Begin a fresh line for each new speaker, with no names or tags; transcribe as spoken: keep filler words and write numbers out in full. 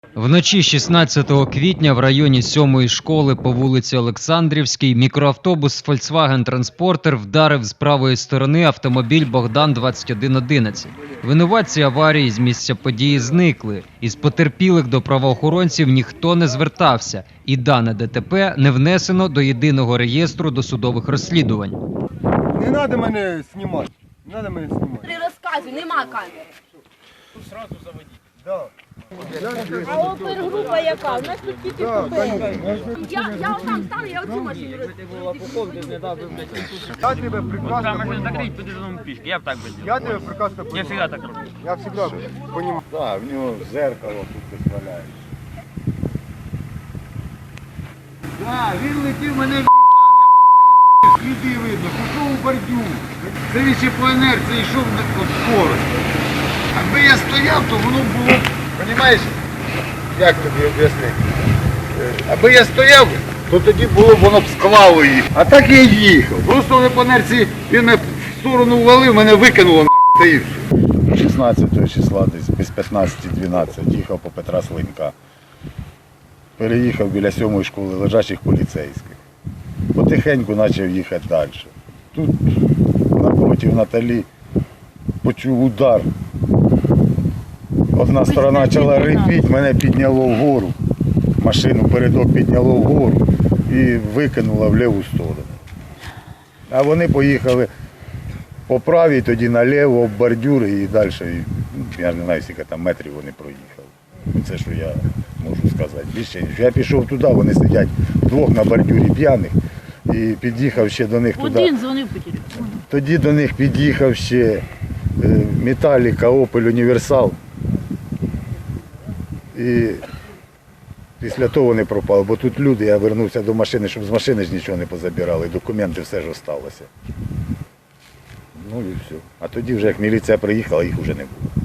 Вночі шістнадцятого квітня в районі сьомої школи по вулиці Олександрівській мікроавтобус Volkswagen Transporter вдарив з правої сторони автомобіль Богдан двадцять один одинадцять. Винуватці аварії з місця події зникли. Із потерпілих до правоохоронців ніхто не звертався, і дане ДТП не внесено до єдиного реєстру досудових розслідувань.
Не треба мене знімати. Не треба мене знімати.
При розказі нема камери.
Тут одразу заводіть. Да.
А опергрупа яка? У нас тут тільки побили. Я, я отам стану, я оцю машину роз-
Я тебе прекрасно
Там можно
понимаю.
закрыть, пойдешь дома пешки. Я бы так бы сделал.
Я тебе прекрасно
Я
понимаю.
всегда так роблю.
Я всегда понимаю.
Так, в нього зеркало тут десь валяється.
Так, він летів, мене в'їбав, я попиздив. Сліди видно, пішов у бордюр. Це він ще по інерції йшов на скорості. Якби я стояв, то воно було, розумієш, як тобі об'яснити? Е, Аби я стояв, то тоді було б воно б склало їх. А так я їхав. Просто вони по інерції, він мене в сторону ввалив, мене викинуло нахуй, та і все.
шістнадцятого числа десь без п'ятнадцяти дванадцять їхав по Петра Слинька. Переїхав біля сьомої школи лежачих поліцейських. Потихеньку почав їхати далі. Тут напроти Наталі почув удар. Одна сторона почала рипіти, мене підняло вгору. Машину передок підняло вгору і викинуло в ліву сторону. А вони поїхали по правій, тоді наліво, об бордюри і далі. І, я не знаю, скільки там метрів вони проїхали. Це, що я можу сказати. Більше, я пішов туди, вони сидять вдвох на бордюрі п'яних. І під'їхав ще до них туди.
Один дзвонив по телефону.
Тоді до них під'їхав ще е, Металіка, Опель, Універсал. І після того вони пропали, бо тут люди, я вернувся до машини, щоб з машини ж нічого не позабирали, документи все ж осталося. Ну і все. А тоді вже як міліція приїхала, їх вже не було.